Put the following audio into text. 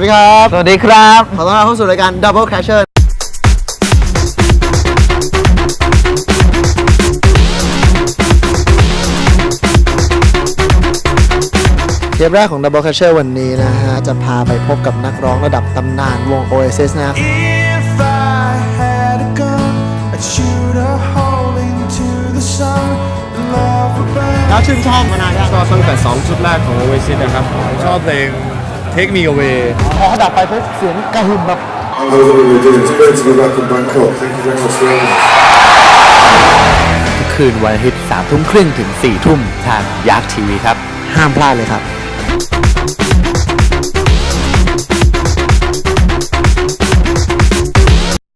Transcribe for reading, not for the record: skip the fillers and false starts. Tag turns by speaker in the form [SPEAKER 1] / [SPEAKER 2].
[SPEAKER 1] ดีครับ
[SPEAKER 2] สวัสดีครับ
[SPEAKER 1] ขอต้อนรับเข้าสู่รายการ Double Crasher เทปแรกของ Double Crasher วันนี้นะฮะ จะพาไปพบกับนักร้องระดับตำนานวง Oasis นะครับ
[SPEAKER 3] If I had a gun, I'd shoot a hole into the sun. Love would burn.
[SPEAKER 1] แล้วชื่นชอบมานานยัง
[SPEAKER 4] ชอบตั้งแต่2ชุดแรกของ Oasis นะครับชอบเพลง Take Me Away
[SPEAKER 1] พอเขาดับไปปุ๊บเสียงกระหึ่มแบบ
[SPEAKER 5] How's everybody doing? It's great to be back in Bangkok. Thank you very much for having me.
[SPEAKER 2] ทุกคืนวันอาทิตย์3 ทุ่มครึ่งถึง 4 ทุ่มทางยักษ์ทีวีครับ
[SPEAKER 1] ห้ามพลาดเลยครับ